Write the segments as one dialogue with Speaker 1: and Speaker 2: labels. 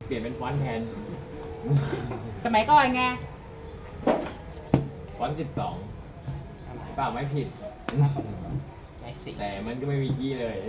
Speaker 1: เปลี่ยนเป็นฟอนต์แทน
Speaker 2: สมัยก่อนไง
Speaker 1: ฟอนต์12เปล่าไม่ผิด
Speaker 3: ไอ้สิ
Speaker 1: แต่มันก็ไม่มีขี้เลย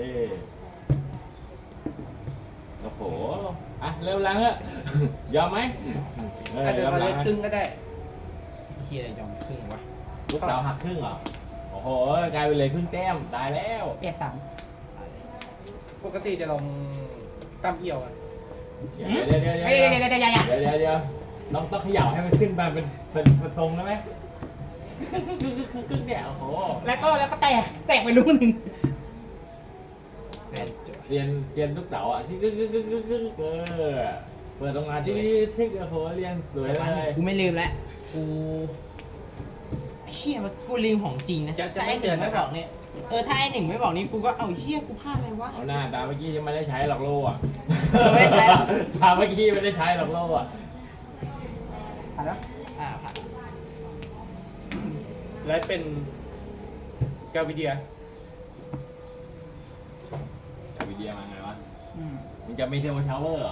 Speaker 1: โอ้โหอ่ะเริ่มล้างแล้วยอมไหม
Speaker 4: อาจจะ
Speaker 1: ยอม
Speaker 4: มา
Speaker 1: ล้า
Speaker 4: เล่
Speaker 1: ง
Speaker 4: นครึ่งก็ได้
Speaker 3: เฮียอะไรยอมครึ่งวะ
Speaker 1: ลูกสาวหักครึ่งเหรอโอ้โหกลายเป็นเลยครึ่งแต้มตายแล้ว
Speaker 2: เปลี่ยนสาม
Speaker 4: ปกติจะลงตั้มเอี่ยวอ่ะ
Speaker 1: เดี๋ยวเดี๋ยวเดี๋ยว
Speaker 2: เฮ้ย
Speaker 1: เดี๋ยว
Speaker 2: เดี๋ยว
Speaker 1: เดี๋ยว
Speaker 2: เดี๋ยวเดี๋ยว
Speaker 1: เดี๋ยวต้องเขย่าให้มันขึ้นมาเป็นทรงได้ไหมครึ่งเนี่ยโอ้โห
Speaker 2: แล้วก็แตกไปรูหนึ่ง
Speaker 1: เรียนลูกเต๋าอ่ะที่เปิดโรงงานที่โอ้โหเรียนสวยเลย
Speaker 3: กูไม่ลืมแล้วกูไอ้เชี่ยมันกูลืมของจริงนะ
Speaker 4: จะไม่เตือน
Speaker 3: ไม่
Speaker 4: นะ
Speaker 3: บอกเนี่ยถ้าไอ้หนึ่งไม่บอกนี่กูก็เอาเฮียกูพลาดอะไรวะ
Speaker 1: เอาหน้าตาเมื่อกี้ยังไม่ได้ใช้หรอกโล่อะ
Speaker 3: ไม่ได้ใช้หรอ
Speaker 1: ตาเมื่อกี้ไม่ได้ใช้หรอกโล่อะ
Speaker 2: ผ่านแล้ว
Speaker 3: ผ่าน
Speaker 4: และเป็นกาวิเดีย
Speaker 1: แต่วิดีโอมาไงวะ
Speaker 2: อืม
Speaker 1: มันจะไม่เทอร์โบชาวเวอร์เหรอ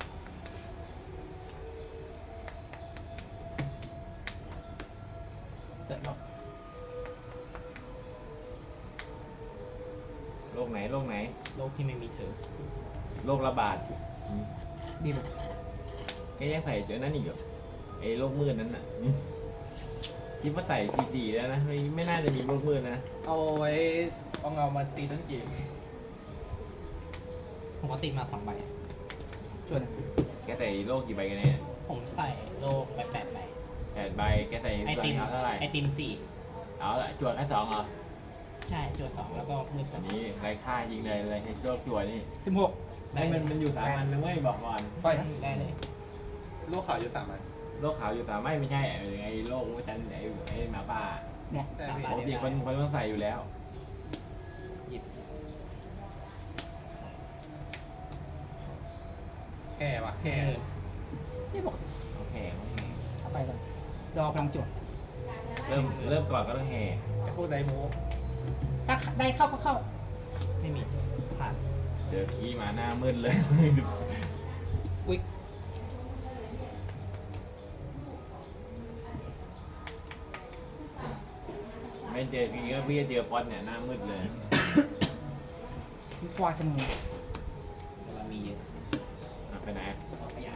Speaker 1: โรคไหน
Speaker 3: โลกที่ไม่มีเธอ
Speaker 1: โรคระบาด
Speaker 2: ดีบุก
Speaker 1: แกยังใส่เจอนั่นอีกเหรอไอ้โรคมืดนั้นน่ะคิดว่าใส่สีแล้วนะไม่น่าจะมีโรคมืดนะ
Speaker 4: เอาไว้เอาเงามาตีต้นเกม
Speaker 3: ผมก็ติดมา2 ใบ
Speaker 2: ส่วน
Speaker 1: แกใส่โรคกี่ใบกันเนี่ย
Speaker 3: ผมใส่โลกไป8 ใบ
Speaker 1: 8 ใบแกใส่
Speaker 3: ไอ
Speaker 1: ส่วน
Speaker 3: ติม
Speaker 1: เท้าเท่าไหร่
Speaker 3: ไอติม
Speaker 1: เอาละจวดแค่2เหรอ
Speaker 3: 4ใช่จั่ว2แล้วก็มือ
Speaker 1: อัน
Speaker 3: 2
Speaker 1: นี้ไรค่ายิงเลยให้โรคจวดนี่
Speaker 2: 16
Speaker 1: ให้มันอยู่สามัญนะเว้ยบอกก่อน
Speaker 4: ปล่อย
Speaker 3: ได้เลย
Speaker 4: ลูกขาวอยู่3 อัน
Speaker 1: โรคขาวอยู่สามัญไม่ใช่ไอ้โรคว่าจันไอ้หมาป่า
Speaker 2: เนี่ย
Speaker 4: ได้
Speaker 3: ตาม
Speaker 4: พี่
Speaker 3: มา
Speaker 1: ปกติคนต้องใส่อยู่แล้ว
Speaker 3: หยิบ
Speaker 4: แห่ว่ะแห่
Speaker 2: นี่บอก
Speaker 1: โอเค
Speaker 2: เอาไปก่อนรอพลังจวด
Speaker 1: เริ่มก่อนก็ต้องแห่
Speaker 4: ไอ้พวกไดโม
Speaker 2: ถ้าได้เข้าก็เข้า
Speaker 3: ไม่มีผ่าน
Speaker 1: เจอขี้มาหน้ามืดเลย
Speaker 2: อุ๊ย
Speaker 1: ไม่เจอขี้ก็พี่เจอฟอนต์เนี่ยหน้ามืดเลย
Speaker 2: มีควายขโมย
Speaker 3: แต่มันมีเยอะ
Speaker 1: ไปไหน
Speaker 3: เอาขยะ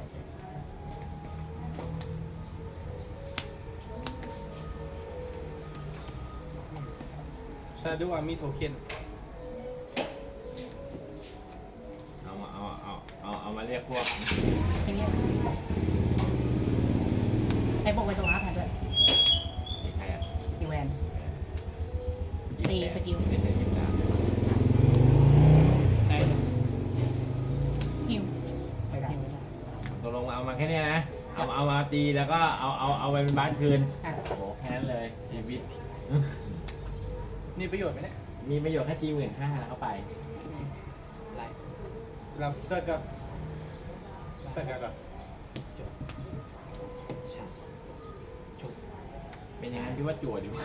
Speaker 4: ซาดูอามีโทเค็น
Speaker 1: เอามาเรียกพวก
Speaker 2: แค่นี้ไอ้พวกไปตรงอาร์ตแทนด้วย
Speaker 1: อีกใครอ่ะ
Speaker 2: ตีแวน ตีสกิล
Speaker 1: ตีสกิลตาม
Speaker 3: ได้เลย
Speaker 2: ฮิวไม่ได้
Speaker 1: ตกลงเอามาแค่เนี้ยนะเอามาตีแล้วก็เอาไปเป็นบ้านคืน
Speaker 2: อ่ะ
Speaker 1: โอ้โหแค่นั้นเลยชีวิต
Speaker 4: มีประโยชน์ไหมเนี่ย
Speaker 1: มีประโยชน์แค่ตี15,000แล้วเข้าไป
Speaker 3: ไล่
Speaker 4: เราเซิร์กับเซิร์กับ
Speaker 3: จบฉากชุบ
Speaker 1: เป็นอย่างนั้นที่ว่าจั่วดีกว่า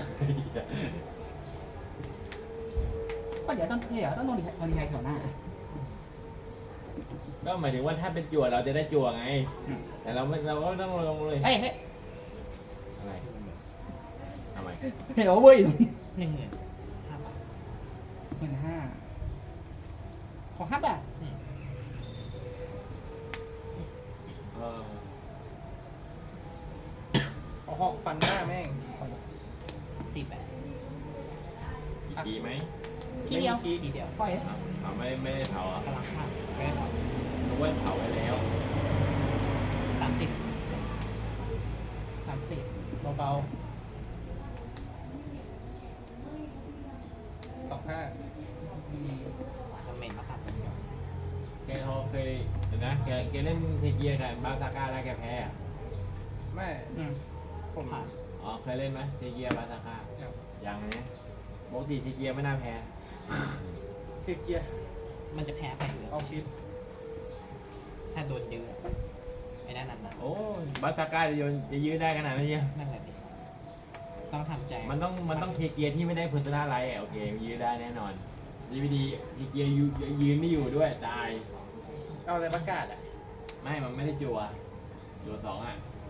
Speaker 2: ก็เดี๋ยวต้องลงดีไทยแถวหน้า
Speaker 1: ก็หมายถึงว่าถ้าเป็นจั่วเราจะได้จั่วไง แต่เราก็ต้องลงเลย
Speaker 2: เฮ้ย
Speaker 1: อะไรทำไม
Speaker 2: เดี๋ยวเว้ยตรงนี้
Speaker 3: 15,000 บาท
Speaker 2: 15,000ของ5 บาท
Speaker 1: เออ
Speaker 4: เอาหอกฟันหน้าแม่ง
Speaker 3: 48
Speaker 1: กี่ปีไหม
Speaker 2: ทีเดียว
Speaker 4: ไม่มี
Speaker 3: ทีเดียว
Speaker 2: ปล่อย
Speaker 1: เอาไม่ได้เผาอ่ะ
Speaker 3: พลังภาพ
Speaker 4: แม่ง
Speaker 1: นึกว่าเผาไปแล้ว
Speaker 3: 30
Speaker 4: เบาๆ25
Speaker 3: ทำเมนมาตัด
Speaker 1: แกเขาเคยเห็นนะแกเล่นเทเกียร์กับบาซาก้าแล้วแกแพ้อะ
Speaker 4: แม่
Speaker 2: อืม
Speaker 4: ผม
Speaker 3: ผ่าน
Speaker 1: อ๋อเคยเล่นไหมเทเกียร์บาซาก้ายังนะปกติเทเกียร์ไม่น่าแพ้
Speaker 4: เทียเกียร์
Speaker 3: มันจะแพ้ไปอยู่แล้ว
Speaker 4: เอาชิป
Speaker 3: ถ้าโดนเยอะไอ้นั่นน่ะ
Speaker 1: โอ้บาซาก้าจะยื้อได้ขนาดนี้น
Speaker 3: นั่นแหละดิต้องทำใจ
Speaker 1: มันต้องเทเกียร์ที่ไม่ได้พุทธนาไลท์โอเคยื้อได้แน่นอนดีเทเกียร์ยืนไม่อยู่ด้วยตาย
Speaker 4: เอาอะไรประกาศอ่ะ
Speaker 1: ไม่มันไม่ได้จัวสองอ่ะ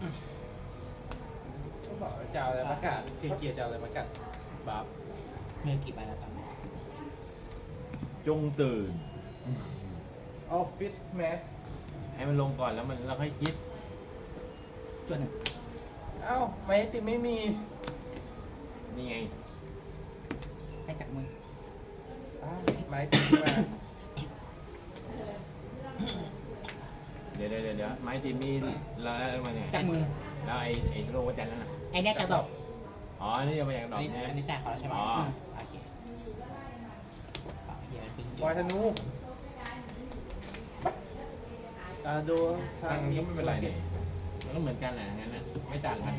Speaker 4: ก็บอกว่าจะเอาอะไรประกาศเกียร์จะเอาอะไรประกาศบัฟ
Speaker 3: มือกี่ใบแล้วตอนนี้
Speaker 1: จงตื่น
Speaker 4: ออฟฟิศแมส
Speaker 1: ให้มันลงก่อนแล้วเราค่อยคิด
Speaker 2: จวนหนึ่ง
Speaker 4: เอ้าไม่ติดไม่มี
Speaker 1: นี่ไง
Speaker 2: ให้จากมือ
Speaker 4: อ้าวไม่ติดมา
Speaker 1: เดี๋ยวไม้ตีมีเราแล้วมาเนี่ย
Speaker 2: จากมือ
Speaker 1: แล้วไอ้โลกวัจันทร์นั่นน่ะ
Speaker 2: ไอ้เนี่ยจากดอก
Speaker 1: อ๋อนี่จะมาจากดอก
Speaker 3: อัน
Speaker 1: เนี่ย
Speaker 3: นี้จ่ายเขาแล้วใช่ไหม
Speaker 1: อ๋อ
Speaker 3: โอเคเปล่าเฮียปิ้ง
Speaker 4: บอยธนูดูทา
Speaker 1: ทาง งนี้ก็ไม่เป็นไรเนี่ยมันก็เหมือนกันแหละงั้นนะไม่ต่างกัน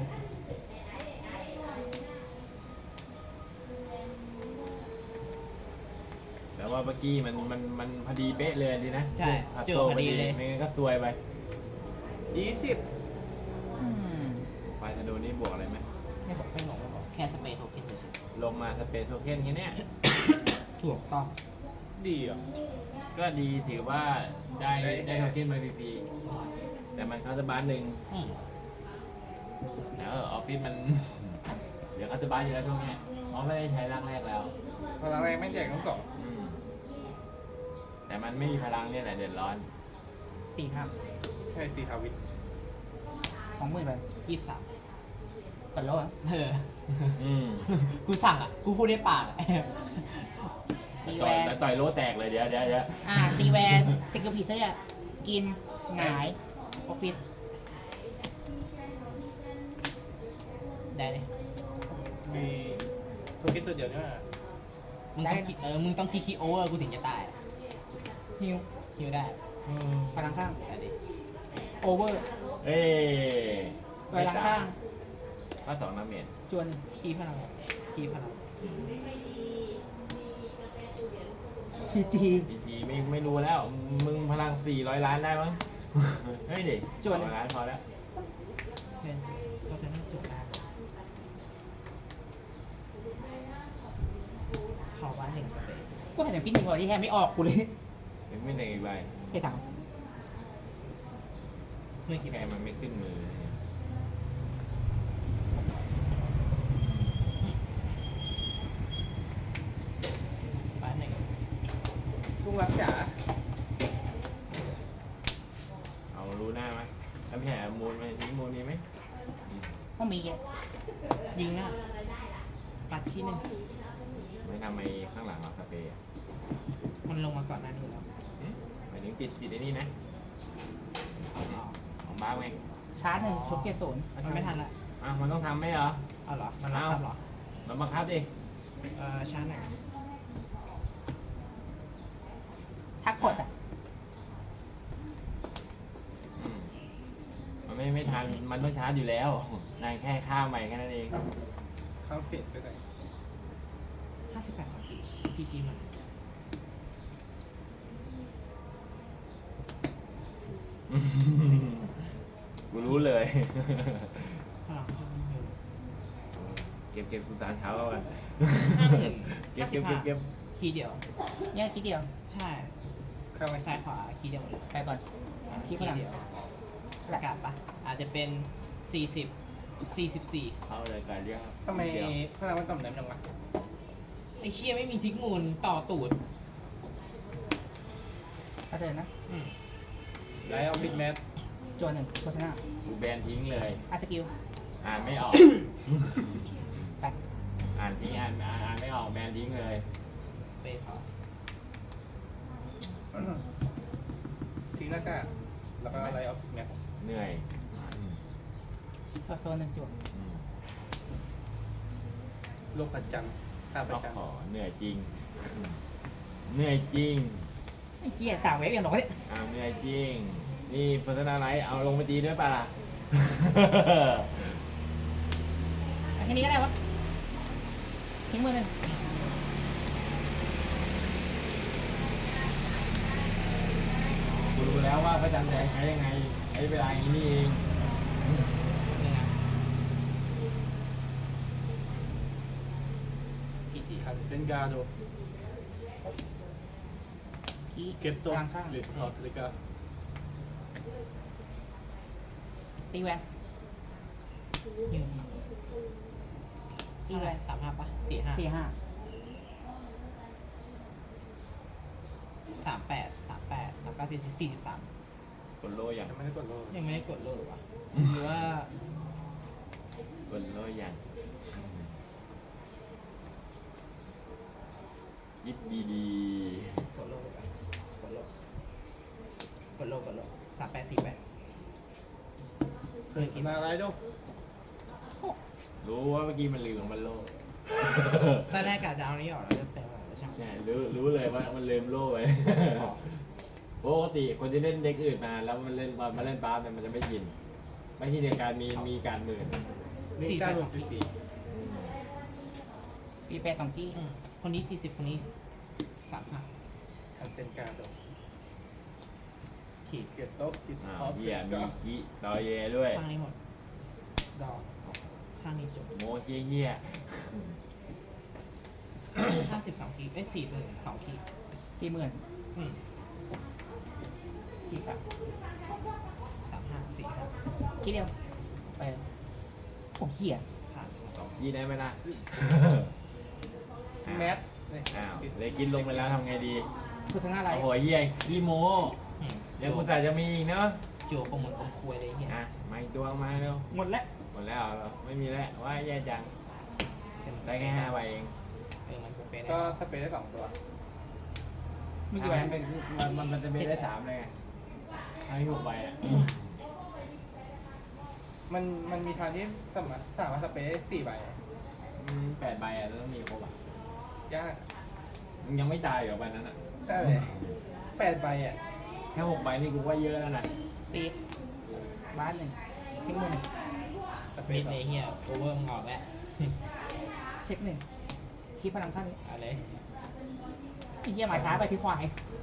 Speaker 1: แต่ว่าเมื่อกี้มันพอดีเป๊ะเลยดีนะ
Speaker 3: ใช่
Speaker 1: ผัด
Speaker 3: เจอ
Speaker 1: โต
Speaker 3: พอดีเลย
Speaker 1: ไม่งั้นก็ซวยไป
Speaker 4: 20
Speaker 1: ไฟธนูนี่บวกอะไรไหม
Speaker 2: ไม่บอก
Speaker 3: ไม่บอกแค่สเปรย์โทเค็นเฉย
Speaker 1: ลงมาสเปซโทเค็นแค่เนี้ย
Speaker 3: ๆถูกต้อง
Speaker 4: ดีเหรอ
Speaker 1: ก็ดีถือว่าได้โทเค็นมาฟรีๆแต่มันคาร์บานหนึ่ง
Speaker 3: อืม
Speaker 1: แล้วออฟฟิศมัน เดี๋ยวคาร์บานอยู่แล้วช่วงเนี้ยเพราะไม่ได้ใช้ร่างแรกแล้ว
Speaker 4: พลังแรงไม่แจกทั้งสอง
Speaker 1: อืมแต่มันไม่มีพลังเนี่ยแหละเดือดร้อน
Speaker 2: ตีข้าม
Speaker 4: ใช่ตีทาวิท
Speaker 2: 20,000ไป
Speaker 3: 23
Speaker 2: กดโลอ่ะ
Speaker 3: เออ
Speaker 1: อืม
Speaker 3: กูสั่งอ่ะ กูพูดได้ปากอะ
Speaker 2: ตี
Speaker 1: ต่
Speaker 2: แว
Speaker 1: อย
Speaker 2: น
Speaker 1: ต่อยโลแตกเลยเดี๋ยว
Speaker 2: ตีแวนติดกับผีเสื้อกินหงายออฟฟิศ
Speaker 3: ได้เลย
Speaker 4: มีโทเค็นตัวเดียวเนี่ย
Speaker 3: มึงต้องคิดมึงต้องคิดโอเวอร์กูถึงจะตาย
Speaker 2: ฮิว
Speaker 3: ฮิวได้
Speaker 2: พลังข้าง
Speaker 3: ได้ดิ
Speaker 2: โอเวอร์
Speaker 1: เอ้ย
Speaker 2: พลังข้าง
Speaker 1: ก็สองน้ำเมจ
Speaker 2: จวน
Speaker 3: คีพลังคีพลัง
Speaker 2: พีจี
Speaker 1: ทีไม่รู้แล้ว มึงพลัง400 ล้านได้มั้ง เฮ้ยดิ200 ล้านพอแล้ว
Speaker 3: เพื่อนก็ใช้ไม่จุดได้เขาว่า1สเปรย์
Speaker 2: กูเห็นอย่างพี่หนึ่งวันที่แทบไม่ออกกูเลย
Speaker 1: เป็นไม่ได้อีกใบ
Speaker 2: เฮ้ยถัง
Speaker 3: ไม่คิด
Speaker 1: แค่มันไม่ขึ้นมือ
Speaker 3: บ้านหนึ่ง
Speaker 4: ลุงรักจ๋า
Speaker 1: เอารู้หน้าไหมทำแผลมูลไหมทิ้งมูลนี้ไหม
Speaker 2: ก็มีแก
Speaker 3: ยิงอ่ะปัดที่หนึ่ง
Speaker 1: ไม่ทำไมข้างหลังเราสเปรย์อะ
Speaker 3: มันลงมาก่อนหน้านี้แล้ว
Speaker 1: หมายถึงติดไอ้นี่นะ
Speaker 3: อ๋อ
Speaker 1: ของบ้าไง
Speaker 2: ชาร์จหนึ่งชกเกียร์ศูนย์
Speaker 3: มันไม่ทันละ
Speaker 1: อ่ะมันต้องทำไหมเหรอ
Speaker 3: เอาเหรอ มันรับทำเหรอ
Speaker 1: มันบังคับดิ
Speaker 3: ชาร์จไหน
Speaker 2: ทักกดอ่ะ
Speaker 1: อืมมันไม่ทัน มันต้องชาร์จอยู่แล้วนายแค่ข้ามไปแค่นั้นเอง
Speaker 4: ข้างเปลี่ยนไปไหน
Speaker 3: 58 2 ทีพีจีมัน
Speaker 1: กูรู้เลย
Speaker 3: พลังเครื่องอยู่
Speaker 1: เก็บกูสารเท้าเอากัน
Speaker 3: 50,000
Speaker 1: เก็บ
Speaker 3: คีย์เดียว
Speaker 2: เนี่ยคิดเดียว
Speaker 3: ใช่
Speaker 4: ข้างไม่
Speaker 3: ซ้ายขวาคีย์เดียวหมดเลย
Speaker 2: ไปก่อน คีย์ฝรั่ง
Speaker 3: เดียวประกาศปะอาจจะเป็น 44
Speaker 1: เข้าเลยการเรียก
Speaker 4: ทำไมพลังมันต่ำแหน่งจังวะ
Speaker 3: ไอ้เชี่ยไม่มีทิกมูลต่อตูด
Speaker 2: กระเด็นนะ
Speaker 4: ไลท์ออฟฟิศแมส
Speaker 2: จวนหนึ่งโฆษณา
Speaker 1: กูแบนทิ้งเลย
Speaker 2: อาร์ตสกิล
Speaker 1: อ่านไม่ออก
Speaker 2: ไป
Speaker 1: อ่านทิ้งอ่านไม่ออกแบนทิ้งเลย
Speaker 3: เปสอง
Speaker 4: ทิ้งหน้ากากแล้วก็ไลท์ออฟฟิศแมส
Speaker 1: เหนื่อย
Speaker 2: โซนหนึ่งจวน
Speaker 1: อืม
Speaker 4: โลกประจันทร์ท่าประ
Speaker 1: ต้อง
Speaker 4: จันท
Speaker 1: ขอ
Speaker 4: ร์
Speaker 1: เหนื่อยจริง เหนื่อยจริง
Speaker 2: ไอ้เหี้ยต่างเวฟอย่างหรอกเนี่ย
Speaker 1: เหนื่อยจริง นี่พัฒนาไลท์เอาลงไปตีด้วยป่ะล่ะ
Speaker 2: แค่นี้ก็ได้วะทิ้งมือหนึ่ง
Speaker 1: กูรู้แล้วว่าพระจันทร์แดงใช้ยังไงใช้เวลาอย่างนี้นี่เอง
Speaker 3: นี่นะพีจี
Speaker 4: คันเซนกาโด
Speaker 2: คี
Speaker 4: เก็ตโต
Speaker 2: กลางข้าง
Speaker 4: หรือออทริกา
Speaker 2: ตีแวน
Speaker 3: ยืน
Speaker 2: ตี
Speaker 3: เท่า
Speaker 2: แว
Speaker 3: ไหร่
Speaker 2: น
Speaker 3: 35ปะ45
Speaker 2: 45
Speaker 3: 43
Speaker 1: กดโลอย่าง
Speaker 4: ยังไม่ได้กดโล
Speaker 3: ยังไม่ได้กดโลหรือวะหรือว่าก
Speaker 1: ดโลอย่างคิดดี
Speaker 3: กดโลไปกดโล3848เคยคิด
Speaker 4: มาอะไรจ้ะ
Speaker 1: ๆรู้ว่าเมื่อกี้มันลืมมันโล
Speaker 3: ตอนแรกกะจะเอานี้ออกแล้วจะเป็นอะไรแล้วช่าง
Speaker 1: เนี่ยรู้เลยว่ามันลืมโล่ไปปกติคนที่เล่นเด็กอื่นมาแล้วมันเล่นมาเล่นบาสเนี่ยมันจะไม่ชินไม่ชินในการมีการหมื่น
Speaker 4: มีการลงปี
Speaker 2: ฟีแปด2ที่
Speaker 3: คนนี้40คนนี้35
Speaker 4: คันเซนการ์ด
Speaker 3: ขีด
Speaker 4: เกียรโต๊ะคิด
Speaker 1: อ้า
Speaker 4: ท็
Speaker 1: ว
Speaker 4: อป
Speaker 1: เหี้ย
Speaker 4: ก็
Speaker 1: มีขี้รอเยด้วย
Speaker 3: ข้างนี้หมด
Speaker 4: ดอก
Speaker 3: ข้างนี้จบ
Speaker 1: โมเหี้ย
Speaker 3: 52ขีด4เลย2ขีด
Speaker 2: ตีหมื่น
Speaker 3: อืม
Speaker 2: ตีกับ
Speaker 3: 35 45
Speaker 2: คิดเดียวไปโอ้เหี้ย
Speaker 3: ผ่าน
Speaker 1: ยี่ได้ไหมล่ะ
Speaker 4: แมทเนี่ย
Speaker 1: อ้าวเลยกินลงไปแล้วทำไงดี
Speaker 2: คือทั้งหน้าไร
Speaker 1: โอ้โหเหี้ยขี้โม
Speaker 3: อืม
Speaker 1: ยังกูใส่จะมีอีกเนาะ
Speaker 3: โจคงเหมือนอมคุยเลยเฮีย
Speaker 1: อ่ะมาอีกตัวมาเร็ว
Speaker 2: หมดแล้ว
Speaker 1: หมดแล้วเหรอไม่มีแล้วว่าแย่จัง
Speaker 3: เป็น
Speaker 1: ใส่แค่5ใบเอง
Speaker 3: มันจะเป็น
Speaker 4: ก็สเปรย์ได้2ตัว
Speaker 2: มีกี่ใบ
Speaker 1: เป็นมันจะมีได้3เลยไงให้6ใบอ่ะ
Speaker 4: มันมีทางที่สามารถสเปรย์ได้4ใบ
Speaker 1: 8ใบอ่ะแล้วต้องมีครบอ่ะ
Speaker 4: ยาก
Speaker 1: มึงยังไม่ตายเหรอใบนั้นอ่ะ
Speaker 4: ได้เลย8ใบอ่ะ
Speaker 1: แค่6ใบนี่กูว่าเยอะแล้วนะ
Speaker 2: ตีบ้านหนึ่งทิ้งมือหนึ่ง
Speaker 4: สเปร
Speaker 3: มิ
Speaker 4: ย์
Speaker 3: ด
Speaker 4: สอ
Speaker 3: เลย
Speaker 4: ง
Speaker 3: เฮียโอเวอร์มึงออกแล้ว
Speaker 2: เช็คหนึ่งคีบพลังข้างนี้
Speaker 3: อะไร
Speaker 2: ไอ้เหี้ยหมายท้ายไปพี่ควาย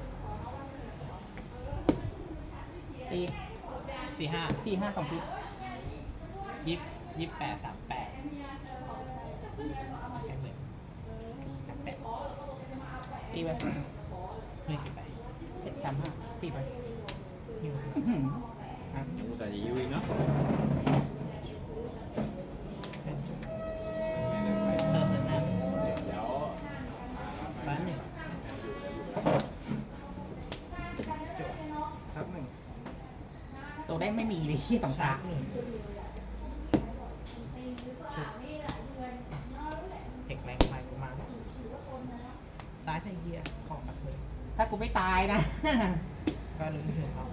Speaker 2: ตี
Speaker 3: 45
Speaker 2: 4 5 2ที
Speaker 3: 28 38แค่เหมือน38
Speaker 2: ตีไป
Speaker 3: ไม่กี่ใบ
Speaker 2: เสร็จ35 4ไป
Speaker 3: หิว
Speaker 2: อื้อหืออ่ะ
Speaker 1: ยังกูแต่จะยุ้ยเนาะ
Speaker 3: เป็นจุด
Speaker 1: ไม่ได้ไป
Speaker 3: เติมหน้า
Speaker 1: เดี๋ยว
Speaker 3: บ้านหนึ่งจุด
Speaker 4: ชับหนึ่ง
Speaker 2: ตัวได้ไม่มีเลยที่สอง
Speaker 3: ชา
Speaker 2: ตา
Speaker 3: ร์จหนึ่งชุดเทคแรงไฟกูมาซ้ายใส่เฮียขอปัดเลย
Speaker 2: ถ้ากูไม่ตายนะ
Speaker 3: ก็ลุ้นถึงเขา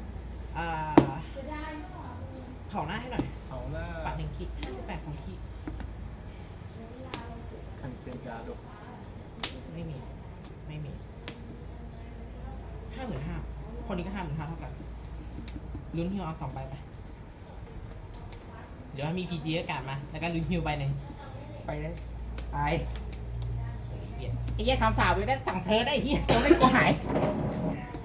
Speaker 3: เผาหน้าให้หน่อย
Speaker 4: เขาหน้า
Speaker 3: ปัด1ขีด58 2ขีด
Speaker 4: คันเซนการ์ด
Speaker 3: ไม่มี 55,000คนนี้ก็55,000เท่ากันลุ้นฮิวเอา2ใบไปเดี๋ยวมี PG อากาศมา แล้วก็ลุ้นฮิวใบหนึ่ง
Speaker 2: ไปเลยไป
Speaker 3: เฮ้ยเหี้ย
Speaker 2: ไอ้เหี้ยทำสาวอยู่ได้สั่งเธอได้ไอ้เหี้ยตัวไม่กลัวหาย